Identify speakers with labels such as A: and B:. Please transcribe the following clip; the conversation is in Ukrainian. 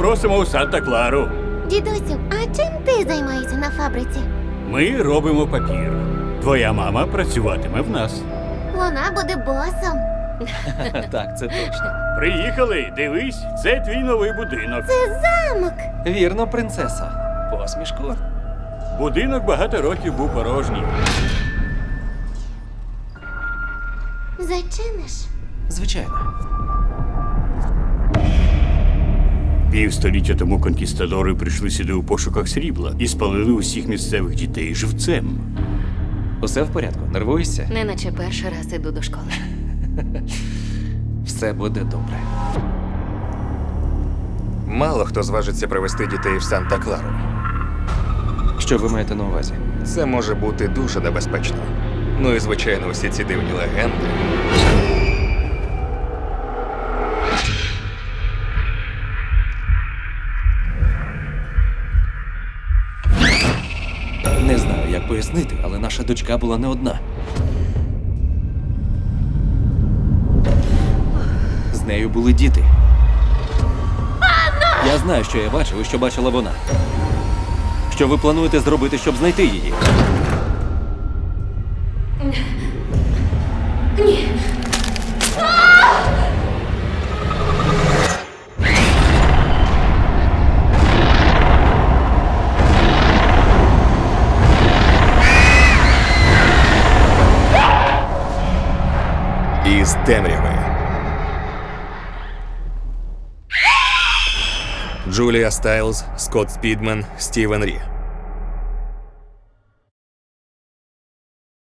A: просимо у Санта-Клару.
B: Дідусю, а чим ти займаєшся на фабриці?
A: Ми робимо папір. Твоя мама працюватиме в нас.
B: Вона буде босом.
C: Так, це точно.
A: Приїхали, дивись, це твій новий будинок.
B: Це замок.
C: Вірно, принцесо. Посмішку.
A: Будинок багато років був порожній.
B: Зачиниш?
C: Звичайно.
A: Півстоліття тому конкістадори прийшли сюди у пошуках срібла і спалили усіх місцевих дітей живцем.
C: Усе в порядку? Нервуєшся?
D: Неначе перший раз іду до школи.
C: Все буде добре.
E: Мало хто зважиться привезти дітей в Санта-Клару.
C: Що ви маєте на увазі?
E: Це може бути дуже небезпечно. Ну і, звичайно, усі ці дивні легенди.
C: Не знаю, як пояснити, але наша дочка була не одна. З нею були діти. Я знаю, що я бачив і що бачила вона. Що ви плануєте зробити, щоб знайти її?
E: Із темряви. Джулія Стайлз, Скотт Спідмен, Стівен Рі.